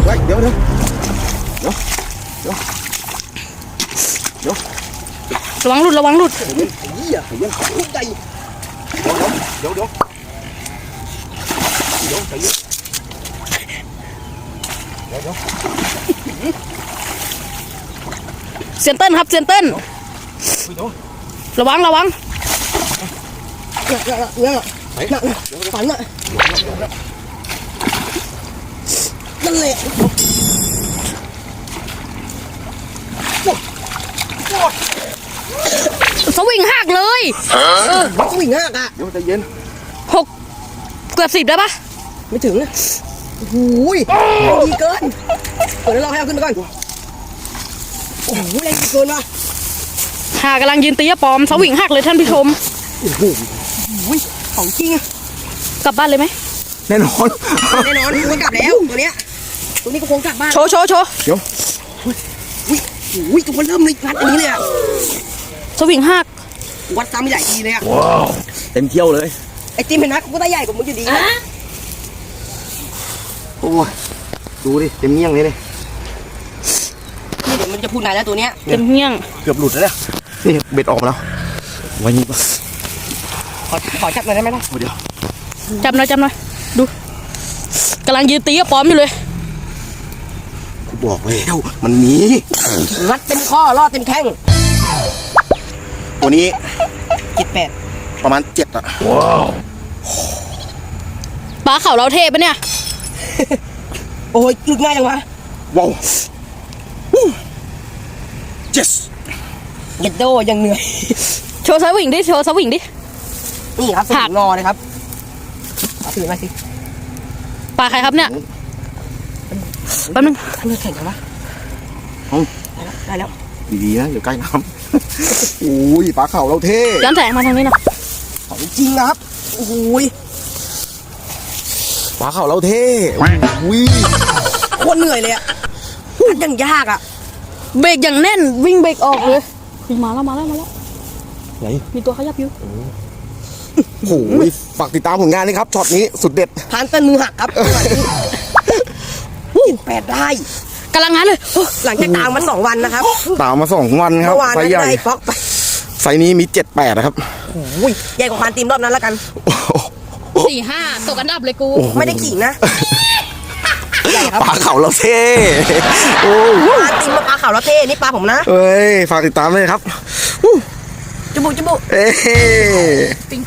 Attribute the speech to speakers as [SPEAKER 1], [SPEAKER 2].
[SPEAKER 1] เดี๋ยว
[SPEAKER 2] ระวังหลุดระวังหลุด
[SPEAKER 1] เดี๋ยว
[SPEAKER 2] เซียนเติ้ลครับเซียนเติ้ลระวัง
[SPEAKER 1] ฝั
[SPEAKER 2] ระวัง
[SPEAKER 1] นน่ะนั่นแหละ
[SPEAKER 2] สวิงหักเลย
[SPEAKER 1] สวิงหักอ่ะเดี๋ยวใจเย็น
[SPEAKER 2] เกือบ10ได้ปะ
[SPEAKER 1] ไม่ถึงโอ้โหดีเกินเดี๋ยวเราให้เอาขึ้นไปก่อนโอ้โหแรงดีเกินว่ะ
[SPEAKER 2] กำลังยืนตีปอมสวิงหักเลยท่านผู้ชม
[SPEAKER 1] โอ้โหของจริง
[SPEAKER 2] กลับบ้านเลยไหม
[SPEAKER 1] แน่นอนมันกลับแล้วตัวเนี้ยตัวนี้ก็คงกลับบ้าน
[SPEAKER 2] โชว์
[SPEAKER 1] เดี๋ยวอุ้ยตัวมันเริ่มเลยงัดอันนี้เลยอ่ะ
[SPEAKER 2] สวิงหัก
[SPEAKER 1] วัดซ้ำใหญ่ดีเลยอ่ะว้าวเต็มเที่ยวเลยไอจิมเห็นนะกูได้ใหญ่กว่ามึงอยู่ดีโอ้ยดูดิเต็มเงี้ยงเลยนี่เดี๋ยวมันจะพูดนานแล้วตัวเนี้ย
[SPEAKER 2] เต็มเงี้ยง
[SPEAKER 1] เกือบหลุดแล้วเนี่ยนี่เบ็ดออกมาแล้ววันนี้ขอจับหน่อยได้ไหมล่ะเดี๋ยว
[SPEAKER 2] จับหน่อยดูกำลังยืนตีปอมอยู่เลย
[SPEAKER 1] กูบอกแล้วมันมีรัดเต็มข้อรอดเต็มแข้งตัวนี้7-8ประมาณ7อ่ะว้าว
[SPEAKER 2] ปลาเขาเราเทปะเนี่ย
[SPEAKER 1] โอ้ยหลุดง่ายจังวะว้าวyes เย็ดโดยังเหนื่อย
[SPEAKER 2] โชว์สวิงดิ
[SPEAKER 1] นี่ครับสวิงงอเลยครับเอาถือมาสิ
[SPEAKER 2] ปลาใครครับเนี่ยแป๊บนึง
[SPEAKER 1] เลือดแข็งกันวะได้แล้วดีๆนะอยู่ใกล้น้ำโอ้ยปลาเข่าเราเท่
[SPEAKER 2] ย้อนแสงมาทางนี้นะ
[SPEAKER 1] ของจริงนะครับโอ้ยปลาเข่าเราเท่โคตรเหนื่อยเลยอ่ะยังยากอ่ะ
[SPEAKER 2] เบรกอย่างแน่นวิ่งเบรกออกเลยมาแล้ว
[SPEAKER 1] ไหน
[SPEAKER 2] มีตัวขยับอยู่
[SPEAKER 1] โอ้ยฝากติดตามผลงานนี้ครับช็อตนี้สุดเด็ดพานเต้นมือหักครับ8ได้
[SPEAKER 2] กำลังงั้นเลย
[SPEAKER 1] หลังจากตามมา2 วันนะครับตามมา2 วันครับไซส์ใหญ่ไซส์นี้มี7-8นะครับโอ้ยใหญ่กว่าพานตีมรอบนั้นแล้วกัน
[SPEAKER 2] 4-5ตกอันดับเลยกู
[SPEAKER 1] ไม่ได้ขิงนะปลาเขาเราเท่โอ้ปลาตีมปลาเขาเราเท่นี่ปลาผมนะเอ้ยฝากติดตามเลยครับจุบุ